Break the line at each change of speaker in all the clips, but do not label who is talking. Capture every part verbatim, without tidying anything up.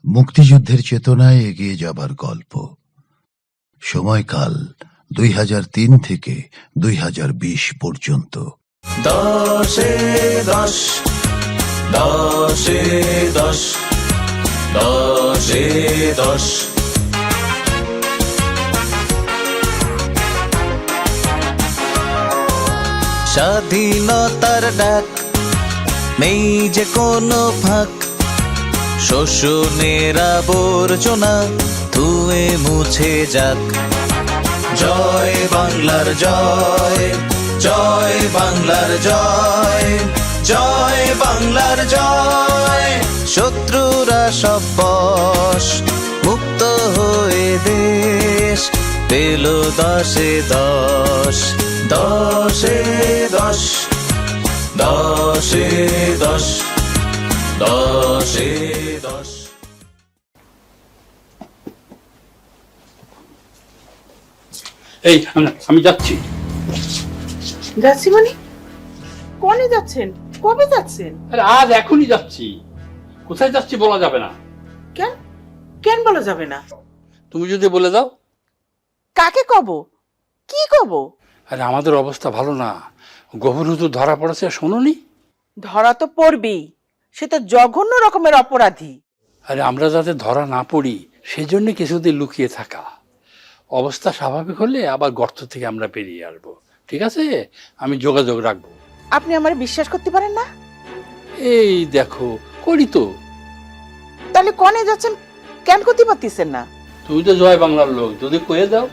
মুক্তিযুদ্ধের চেতনায় এগিয়ে যাবার গল্প। সময়কাল দুই হাজার তিন থেকে দুই হাজার বিশ পর্যন্ত।
দশে দশ দশে দশ দশে দশ স্বাধীনতার ডাক, নেই যে কোনো ফাঁক, শোষণের আবর্জনা ধুয়ে মুছে যাক। জয় বাংলার জয়, জয় বাংলার জয়, জয় বাংলার জয়। শত্রুরা সব বশ, মুক্ত হয়ে দেশ পেল দশে দশ। দশে দশ দশে দশ দশে দশ।
এই আমি যাচ্ছি।
যাচ্ছি মানে কোনে যাচ্ছেন? কবে যাচ্ছেন?
আরে আজ এখনই যাচ্ছি। কোথায় যাচ্ছি বলা যাবে না।
কেন কেন বলা যাবে না?
তুমি যদি বলে দাও।
কাকে কব? কি কব?
আরে আমাদের অবস্থা ভালো না, গোবর হুজুর ধরা পড়েছে, শোনোনি?
ধরা তো পড়বেই, সে তো জঘন্য রকমের অপরাধী।
আরে আমরা যাতে ধরা না পড়ি সেজন্য কিছুদিন লুকিয়ে থাকা। অবস্থা স্বাভাবিক হলে আবার গর্ত থেকে আমরা বেরিয়ে আসবো, ঠিক আছে? আমি যোগাযোগ রাখবো।
আপনি আমার বিশ্বাস করতে পারেন না?
এই দেখো করি তো।
তাহলে কোনে যাচ্ছেন কেন করতে পারতেছেন না?
তুমি তো জয় বাংলার লোক, যদি কয়ে দাও।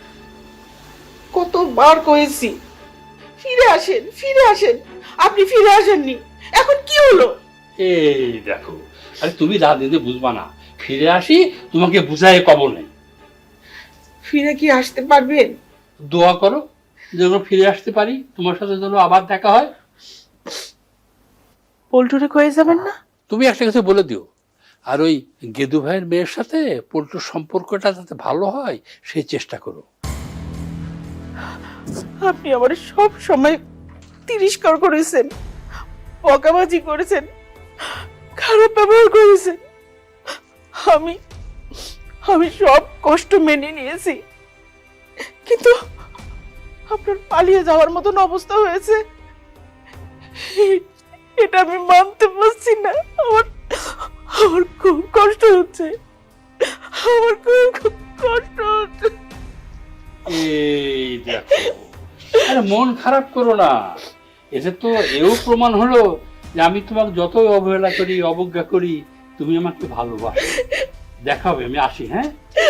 কতবার কয়েছি ফিরে আসেন, ফিরে আসেন, আপনি ফিরে আসেননি। এখন কি হলো?
এই দেখো, আরে তুমি রাজনীতি বুঝবা না, ফিরে আসি তোমাকে বুঝায় কবর নেই।
ফিরে কি আসতে পারবেন?
দোয়া করো যেন ফিরে আসতে পারি, তোমার সাথে যেন আবার দেখা হয়।
পল্টুরে কয়ে যাবেন না?
তুমি একটা কিছু বলে দিও, আর ওই গেদু ভাইয়ের মেয়ের সাথে পল্টুর সম্পর্কটা যাতে ভালো হয় সেই চেষ্টা করো।
আপনি আমার সব সময় তিরস্কার করেছেন, বকাবাজি করেছেন, খারাপ ব্যবহার করেছেন। আমি আমি সব কষ্ট মেনে নিয়েছি, কিন্তু আপনার পালিয়ে যাওয়ার মতন অবস্থা হয়েছে এটা আমি মানতে পারছি না। আমার আমার খুব কষ্ট হচ্ছে, আমার খুব খুব কষ্ট হচ্ছে।
এই দেখো, আরে মন খারাপ করো না, এতে তো এও প্রমাণ হলো যে আমি তোমাকে যতই অবহেলা করি, অবজ্ঞা করি, তুমি আমাকে ভালোবাসো। দেখা হবে, আমি আসি। হ্যাঁ,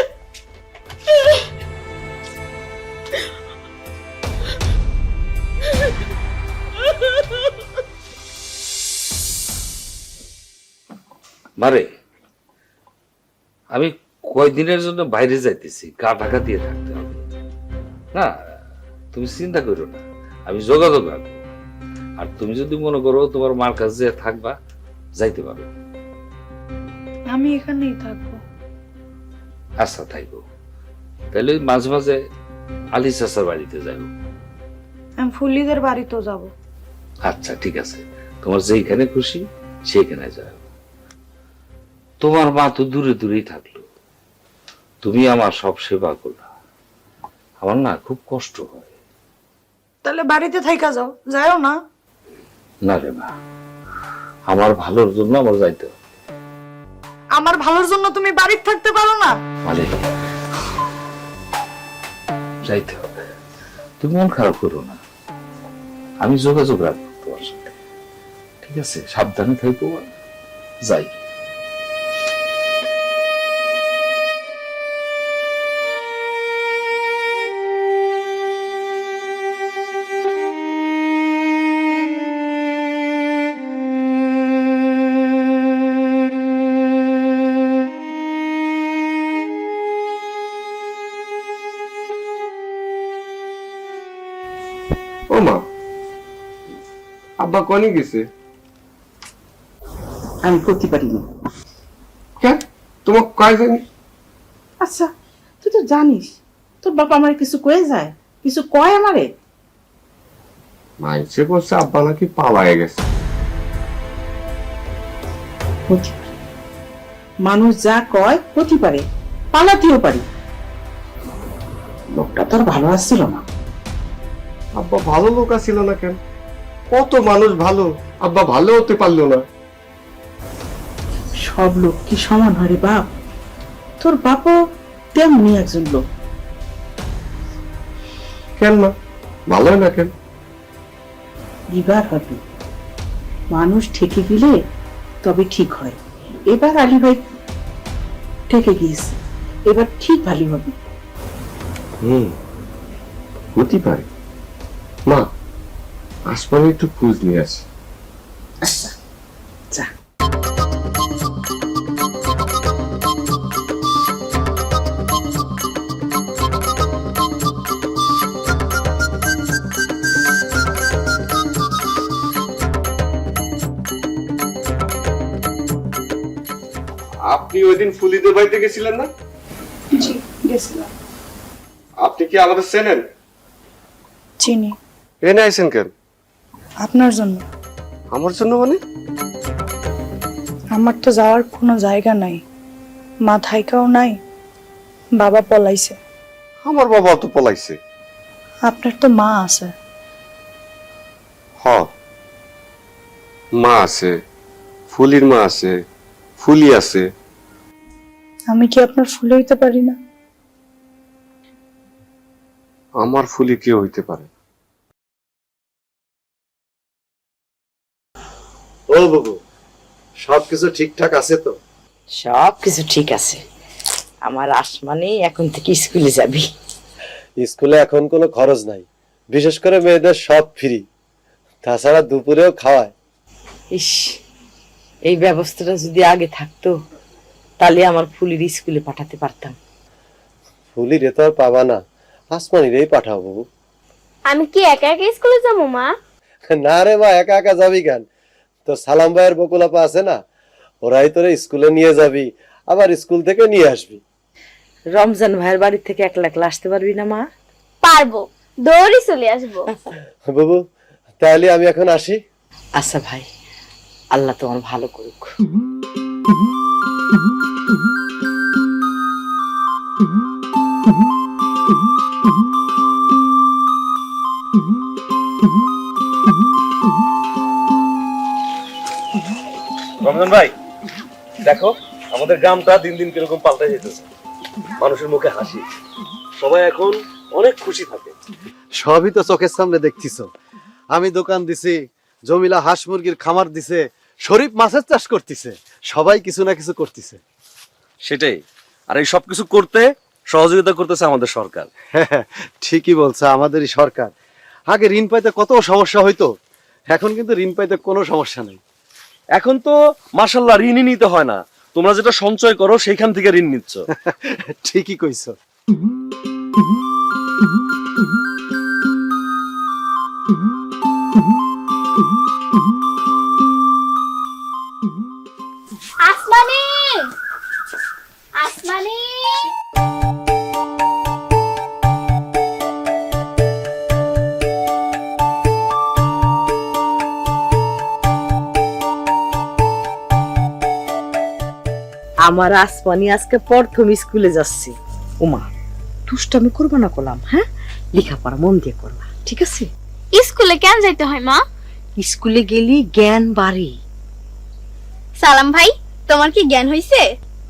মারে আমি কয়দিনের জন্য বাইরে যাইতেছি, গা ঢাকা দিয়ে থাকতে হবে না। তুমি চিন্তা করো না, আমি যোগাযোগ রাখবো। আর তুমি যদি মনে করো তোমার মার কাছে থাকবা, যাইতে পারো।
আমি এখানেই থাকবো।
আচ্ছা থাকবো, তাহলে মাঝে মাঝে আলি চাচার বাড়িতে যাইব।
আমি ফুল্লিদের বাড়িতেও যাব।
আচ্ছা ঠিক আছে, তোমার যেখানে খুশি সেখানে যাও। তোমার মা তো দূরে দূরেই থাকলো, তুমি আমার সব সেবা করলা, আমার না খুব কষ্ট হয়।
তাহলে বাড়িতে থাইকা যাও, যাও না?
না রে মা, আমার ভালোর জন্য আমার যাইতে হবে।
আমার ভালোর জন্য তুমি বাড়িতে থাকতে পারো না?
মানে যাইতে হবে, তুমি মন খারাপ করো না, আমি যোগাযোগ রাখবো তোমার সাথে, ঠিক আছে? সাবধানে থাকবো, যাই।
ও মা, আব্বা কনে গেছে?
আমি করতে পারিনি।
কেন? তোমার কয় জানি?
আচ্ছা তুই তো জানিস তোর বাবা আমার কিছু কয়ে যায়, কিছু কয় আমারে?
মাইসে বলছে আব্বা নাকি পালায়ে গেছে।
মানুষ যা কয় হতে পারে, পালাতেও পারি। লোকটা তো আর ভালো আসছিল না।
আব্বা ভালো লোক ছিল না কেন? কত মানুষ ভালো, আব্বা ভালো হতে পারলো না।
সব লোক কি সমান হয় রে বাপ? তোর বাপও তেমনি একজন লোক।
কেন না ভালো হয় না কেন?
এবার হবে, মানুষ ঠেকে গেলে তবে ঠিক হয়। এবার আলী ভাই ঠেকে গিয়েছে, এবার ঠিক ভালো হবে।
হুম, হতে পারে। মা, আসমানে একটু খোঁজ নিয়ে আসি।
আচ্ছা যা।
আপনি ওই দিন ফুলিদের বাড়িতে গেছিলেন না?
জি গেছিলাম।
আপনি কি আমাদের চেনেন?
চিনি।
এনে আইছেন কেন?
আপনার জন্য।
আমার জন্য মানে?
আমার তো যাওয়ার কোনো জায়গা নাই, মা থাইকাও নাই, বাবা পলাইছে।
আমার বাবা তো পলাইছে।
আপনার তো মা আছে।
হ, মা আছে, ফুলির মা আছে, ফুলি আছে।
আমি কি আপনার ফুলে হইতে পারি না?
আমার ফুলি কেউ হইতে পারে।
ও বাবু, সবকিছু ঠিকঠাক আছে তো?
সব কিছু ঠিক আছে। আমার আসমানি এখন থেকে স্কুলে যাবি।
স্কুলে এখন কোনো খরচ নাই, বিশেষ করে মেয়েদের সব ফ্রি, তাছাড়া দুপুরেও খাওয়ায়।
ইস, এই ব্যবস্থাটা যদি আগে থাকতো তাহলে আমার ফুলির স্কুলে পাঠাতে পারতাম।
ফুলি রে তো আর পাবা না, আসমানিরেই পাঠাও বাবু।
আমি কি একা একা স্কুলে যাবো মা?
না রে মা, একা একা যাবি কেন? তো সালাম ভাইয়ের বকুলাপা আছে না, ওরাই তোরে স্কুলে নিয়ে যাবি, আবার স্কুল থেকে নিয়ে আসবি।
রমজান ভাইয়ের বাড়ি থেকে একলা একলা আসতে পারবি না মা?
পারবো, দৌড়ি চলে আসবো।
বাবু তাহলে আমি এখন আসি।
আচ্ছা ভাই, আল্লাহ তোমার ভালো করুক।
রমজান ভাই, দেখো আমাদের গ্রামটা দিন দিন কিরকম পাল্টে যেতেছে। মানুষের মুখে হাসি, সবাই এখন অনেক খুশি থাকে।
সবই তো চোখের সামনে দেখতেছো। আমি দোকান দিছি, জমিলা হাঁস মুরগির খামার দিছে, শরীফ মাছের চাষ করতেছে, সবাই কিছু না কিছু করতেছে।
সেটাই, আর এই সবকিছু করতে সহযোগিতা করতেছে আমাদের সরকার।
হ্যাঁ, ঠিকই বলছে, আমাদেরই সরকার। আগে ঋণ পাইতে কত সমস্যা হইতো, এখন কিন্তু ঋণ পাইতে কোনো সমস্যা নেই।
এখন তো মাশাআল্লাহ ঋণই নিতে হয় না, তোমরা যেটা সঞ্চয় করো সেইখান থেকে ঋণ নিচ্ছ।
ঠিকই কইছো।
আসমানি, আসমানি।
আমার আসমানি আজকে প্রথম স্কুলে যাচ্ছে। ওমা, দুষ্টামি করবা না করলাম, হ্যাঁ? লেখাপড়া মন দিয়ে করবা, ঠিক আছে?
স্কুলে কেন যাইতে হয় মা?
স্কুলে গেলি জ্ঞান বাড়ে।
সালাম ভাই, তোমার কি জ্ঞান হইছে?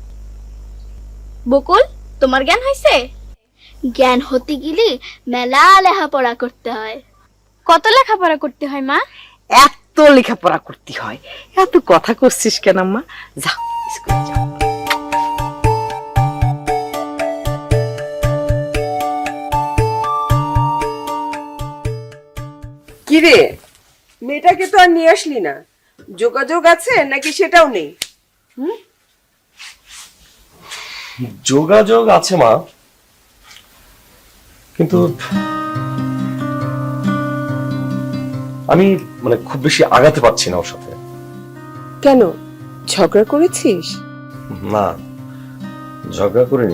বকুল, তোমার জ্ঞান হইছে? জ্ঞান হতে গেলে মেলা লেখাপড়া করতে হয়। কত লেখাপড়া করতে হয় মা?
এত লেখাপড়া করতে হয়? এত কথা করছিস কেন আম্মা? যাও স্কুলে যাও।
কিরে, মেয়েটাকে তো আর নিয়ে আসলি না, যোগাযোগ আছে নাকি সেটাও নেই?
যোগাযোগ আছে মা, কিন্তু আমি মানে খুব বেশি আগাতে পারছি না ওর সাথে।
কেন, ঝগড়া করেছিস?
না, ঝগড়া করিনি,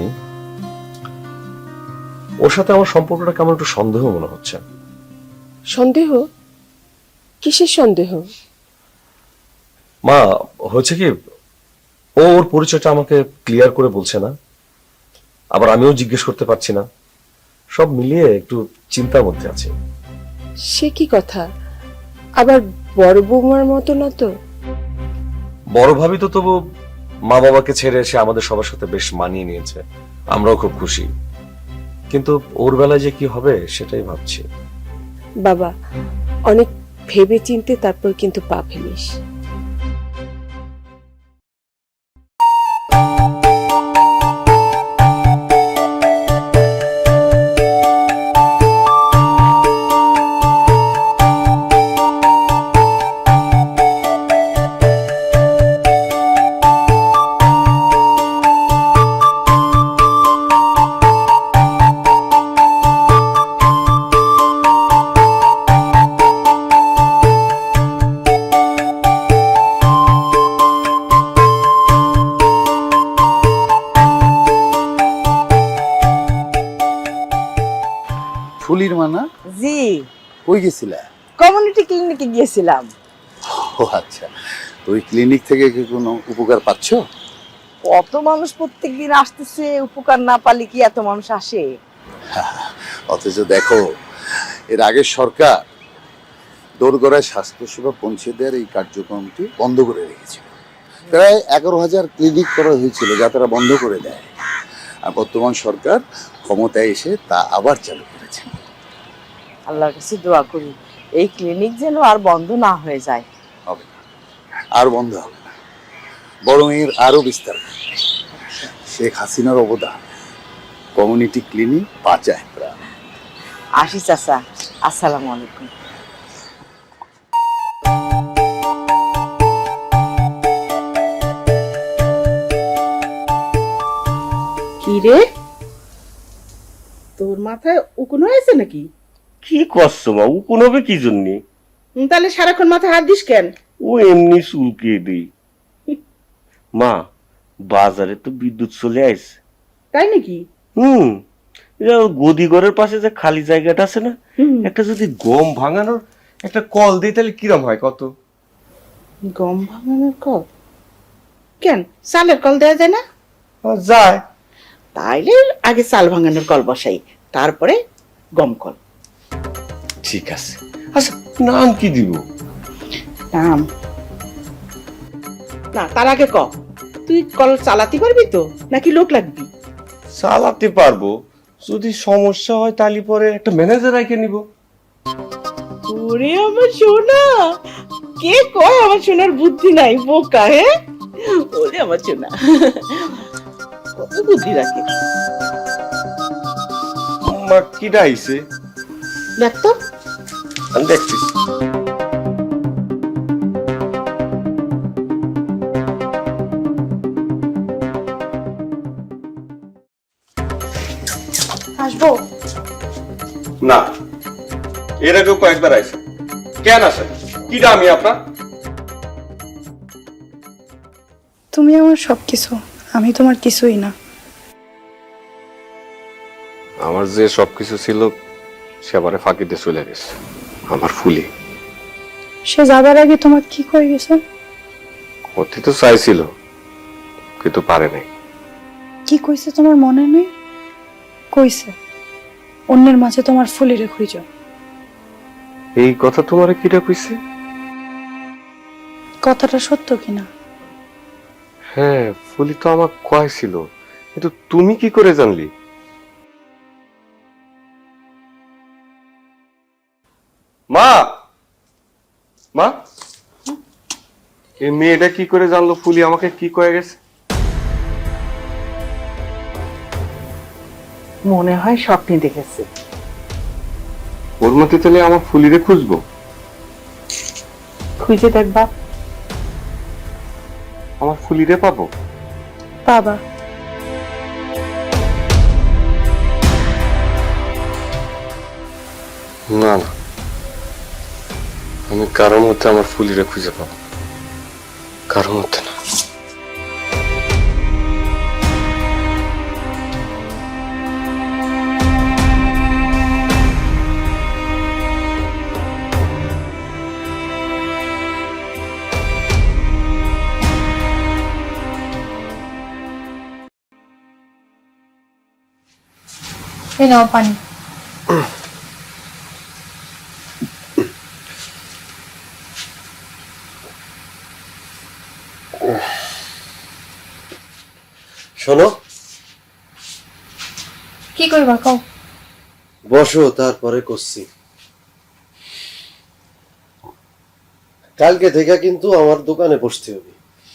ওর সাথে আমার সম্পর্কটা কেমন একটু সন্দেহ মনে হচ্ছে।
সন্দেহ? কিসের সন্দেহ?
মা, হচ্ছে কি, ও ওর পরিচয়টা আমাকে ক্লিয়ার করে বলছে না, আবার আমিও জিজ্ঞেস করতে পারছি না। সব মিলিয়ে একটু চিন্তার মধ্যে আছে।
সে কি কথা, আবার বড় বৌমার মতো না তো?
বড় ভাবি তো তবু মা বাবাকে ছেড়ে এসে আমাদের সবার সাথে বেশ মানিয়ে নিয়েছে, আমরাও খুব খুশি। কিন্তু ওর বেলায় যে কি হবে সেটাই ভাবছি।
বাবা, অনেক ভেবে চিনতে তারপর কিন্তু পা ফেলিস।
ফুলির মানা
জি,
কই গেছিলা?
কমিউনিটি ক্লিনিকে গিয়েছিলাম।
ও আচ্ছা, ওই ক্লিনিক থেকে কি কোনো উপকার পাচ্ছ?
কত মানুষ প্রত্যেকদিন আসতেছে, উপকার না পালে কি এত মানুষ আসে?
অথচ দেখো, এর আগের সরকার দোরগোড়ায় স্বাস্থ্যসেবা পৌঁছে দেওয়ার এই কার্যক্রমটি বন্ধ করে রেখেছিল। প্রায় এগারো হাজার ক্লিনিক করা হয়েছিল, যা তারা বন্ধ করে দেয়। আর বর্তমান সরকার ক্ষমতায় এসে তা আবার চালু করেছে।
আল্লাহর কাছে দোয়া করি এই ক্লিনিক যেন আর বন্ধ না হয়ে যায়।
হবে না, আর বন্ধ হবে না, বরং এর আরো বিস্তার হবে। শেখ হাসিনার অবদান কমিউনিটি ক্লিনিক বাঁচায় প্রাণ।
আসি চাচা, আসসালামু আলাইকুম।
কি রে, তোর মাথায় উকুন হয়েছে নাকি?
কি করছো মা? উকুন হবে কি জন্যে?
হুম, তাহলে সারাক্ষণ মাথায় হাত দিস কেন?
ও এমনি চুলকিয়ে দিই। মা, বাজারে তো বিদ্যুৎ চলে আসছে।
তাই নাকি?
হুম, গদি ঘরের পাশে যে খালি জায়গাটা আছে না, একটা যদি গম ভাঙানোর একটা কল দিই তাহলে কিরম হয় কত?
গম ভাঙানোর কল? কেন, চালের কল দেওয়া যায় না?
যায়।
তাইলে আগে চাল ভাঙানোর কল বসাই, তারপরে গম কল।
ঠিক আছে। আচ্ছা, নাম কি দিব?
নাম না, তার আগে ক, তুই কল চালাতে পারবি তো, নাকি লোক লাগবি?
চালাতে পারবো, যদি সমস্যা হয় তাহলে পরে একটা ম্যানেজার রেখে নিব।
ওরে আমার সোনা, কে কয় আমার সোনার বুদ্ধি নাই, বোকা? হ্যাঁ, ওরে আমার সোনা, কত বুদ্ধি রাখে।
মা, কিটা আইছে?
দেখ তো।
আমি দেখছি।
আসবো
না, এর আগেও কয়েকবার আইছে। কেন আসে? কিটা আমি আপনার?
তুমি আমার সবকিছু, আমি তোমার কিছুই না।
আমার যে সবকিছু ছিল সে আবারে ফাঁকি দিয়ে চলে গেছে। আমার ফুলি
সে যাবার আগে তোমার কি করে গেছে?
অতি তো চাইছিল কিন্তু পারে নাই।
কি কইছে তোমার মনে নেই? কইছে অন্যের মাঝে তোমার ফুলিরে খুঁজো।
এই কথা তোমারে কিটা কইছে?
কথাটা সত্য কিনা?
হ্যাঁ, ফুলি তো আমার কয় ছিল, কিন্তু তুমি কি করে জানলি? মা, মা, এই মেয়েটা কি করে জানলো ফুলি আমাকে কি কয়ে গেছে?
মনে হয় স্বপ্নে দেখেছে।
ওর মতে তাহলে আমার ফুলিরে খুঁজবো?
খুঁজে দেখবা,
আমার ফুলিরে পাবো?
বাবা,
না না, আমি কারোর মধ্যে আমার ফুলিরে খুঁজে পাবো, কারোর মধ্যে না।
এই নাও পানি।
শোনো,
কি করবা কও?
বসো, তারপরে করছি। কালকে থেকে কিন্তু আমার দোকানে বসতে হবে।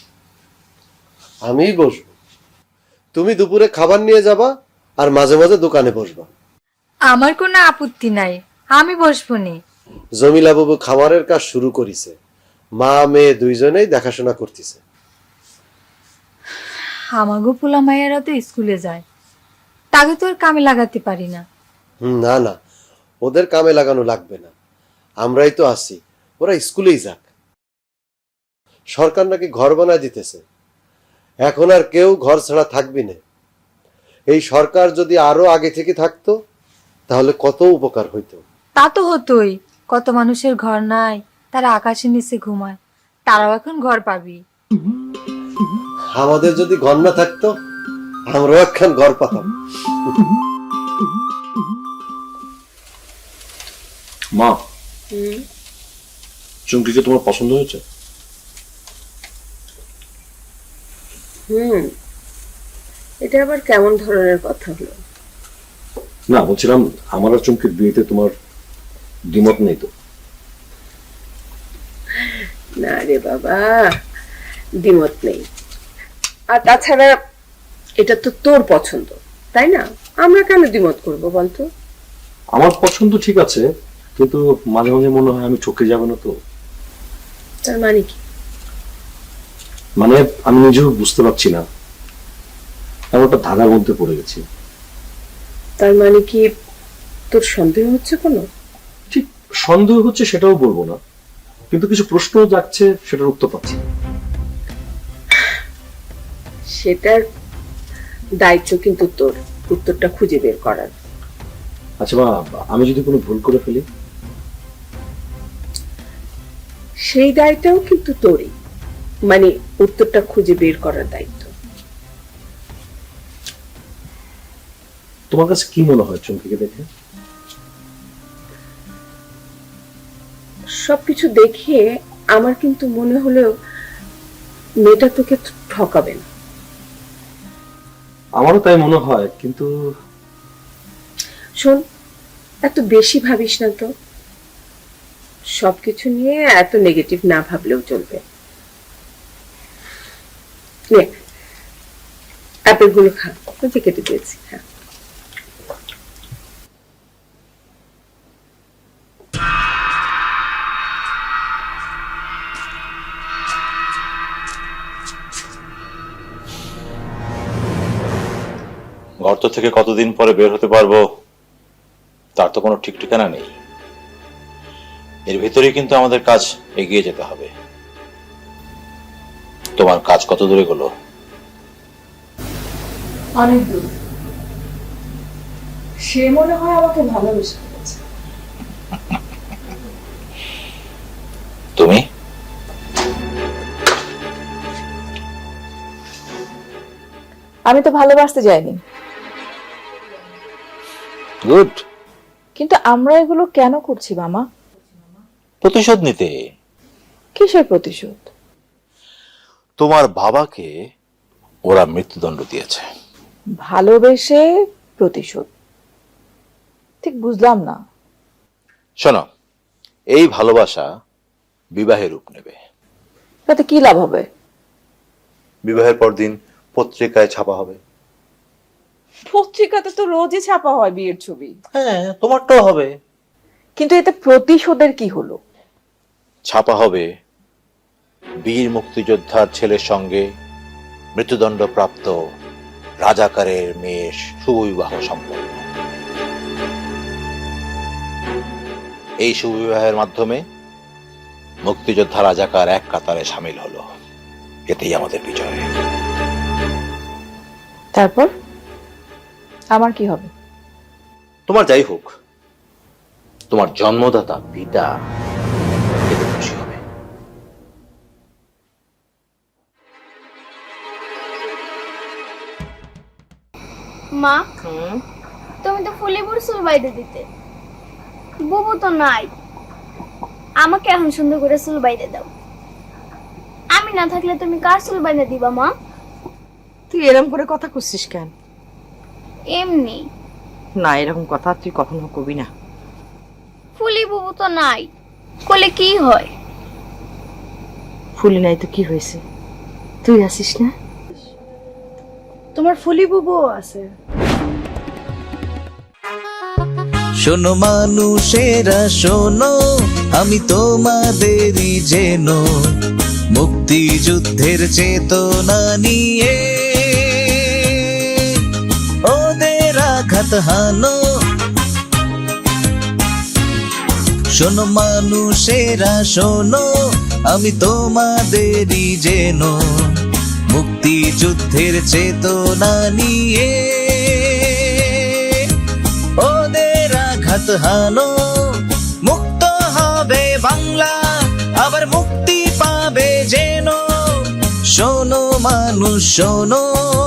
আমিই বসবো, তুমি দুপুরে খাবার নিয়ে যাবা আর মাঝে মাঝে দোকানে বসবা।
আমার কোনো আপত্তি নাই, আমি বসবো নি।
জমিলা বাবু খামারের কাজ শুরু করেছে, মা মেয়ে দুইজনেই দেখাশোনা করতেছে।
আমাগো পোলা মায়েরা তো স্কুলে যায়, তাকে তো আর কামে লাগাতে পারি না।
হুম, না না, ওদের কামে লাগানো লাগবে না, আমরাই তো আছি, ওরা স্কুলেই যাক। সরকার নাকি ঘর বানায় দিতেছে, এখন আর কেউ ঘর ছাড়া থাকবি না। এই সরকার যদি আরো আগে থেকে থাকতো তাহলে কত উপকার হইতো।
তা তো হতোই, কত মানুষের ঘর নাই, তারা আকাশের নিচে ঘুমায়, তারাও এখন ঘর পাবি।
আমাদের যদি ঘর না থাকতো আমরাও একখান ঘর পাতাম।
মা, চুমকিকে তোমার পছন্দ হয়েছে?
হুম, এটা আবার কেমন ধরনের কথা হলো?
না, বলছিলাম আমার আর চুমকির বিয়েতে তোমার দ্বিমত নেই তো?
না রে বাবা, দ্বিমত নেই। আর তাছাড়া এটা তো তোর পছন্দ, তাই না? আমরা কেন দ্বিমত করবো বলতো?
আমার পছন্দ ঠিক আছে, কিন্তু মাঝে মাঝে মনে হয় আমি ঠকে যাবো না তো।
তার মানে কি?
মানে আমি নিজেও বুঝতে পারছি না, এমন একটা ধাঁধার মধ্যে পড়ে গেছি।
তার মানে কি তোর সন্দেহ হচ্ছে কোনো?
ঠিক সন্দেহ হচ্ছে সেটাও বলবো না, কিন্তু কিছু প্রশ্ন যাচ্ছে, সেটার উত্তর পাচ্ছি না।
সেটার দায়িত্ব কিন্তু তোর, উত্তরটা খুঁজে বের করার।
আচ্ছা মা, আমি যদি কোনো ভুল করে ফেলি?
সেই দায়িত্বও কিন্তু তোরই, মানে উত্তরটা খুঁজে বের করার দায়িত্ব।
তোমার কাছে কি মনে হয় চুমকিকে দেখে?
সবকিছু দেখে আমার কিন্তু মনে হলো মেয়েটা তোকে ঠকাবে না।
আমারও তাই মনে হয়, কিন্তু
শোন, এত বেশি ভাবিস না তো, সবকিছু নিয়ে এত নেগেটিভ না ভাবলেও চলবে। নে, অ্যাপেল গুলো খা, ওই যে কেটে দিয়েছি। হ্যাঁ,
গর্ত থেকে কতদিন পরে বের হতে পারবো তার তো কোনো ঠিক ঠিকানা নেই। এর ভিতরেই কিন্তু আমাদের কাজ এগিয়ে যেতে হবে। তোমার কাজ কত দূরে গেল?
অনেক দূর। সে মনে হয় আমাকে ভালোবেসে ফেলেছে।
তুমি?
আমি তো ভালোবাসতে যাইনি,
গুড।
কিন্তু আমরা এগুলো কেন করছি মামা?
প্রতিশোধ নিতে।
কিসের প্রতিশোধ?
তোমার বাবাকে ওরা মৃত্যুদণ্ড দিয়েছে।
ভালোবেসে প্রতিশোধ? ঠিক বুঝলাম না।
শোনো, এই ভালোবাসা বিবাহের রূপ নেবে।
তাতে কি লাভ হবে?
বিবাহের পরদিন পত্রিকায় ছাপা হবে।
পত্রিকাতে তো রোজই ছাপা হয় বিয়ের ছবি।
হ্যাঁ, তোমারটাও হবে।
কিন্তু এতে প্রতিশোধের কি হলো?
ছাপা হবে বীর মুক্তিযোদ্ধার ছেলের সঙ্গে মৃত্যুদণ্ডপ্রাপ্ত রাজাকারের মেয়ের শুভবিবাহ সম্পন্ন। এই শুভবিবাহের মাধ্যমে মুক্তিযোদ্ধা রাজাকার এক কাতারে সামিল হলো। এতেই আমাদের বিজয়।
তারপর আমার কি হবে?
তোমার যাই হোক, তোমার জন্মদাতা পিতা এতে খুশি হবে।
মা, তুমি তো ফুলিবুর চুল বাইরে দিতে, বুবু তো নাই, আমাকে এখন সুন্দর করে চুল বাইরে দাও। আমি না থাকলে তুমি কার চুল বাইরে দিবা মা?
তুই এরকম করে কথা করছিস কেন?
এমনি।
না, এরকম কথা তুই কখনো কবি না।
ফুলি বুবু তো নাই, কোলে কি হয়?
ফুলি নাই তো কি হয়েছে? তুই আসিস না?
তোমার ফুলি বুবুও আছে।
শোনো মানুষেরা শোনো, আমি তোমাদেরই যেন মুক্তিযুদ্ধের চেতনা নিয়ে ওদের আঘাত হানো। শোনো মানুষেরা শোনো, আমি তোমাদেরই যেন মুক্তিযুদ্ধের চেতনা নিয়ে ওদের আঘাত হানো। মুক্ত হবে বাংলা, আবার মুক্তি পাবে যেন। শোনো মানুষ শোনো,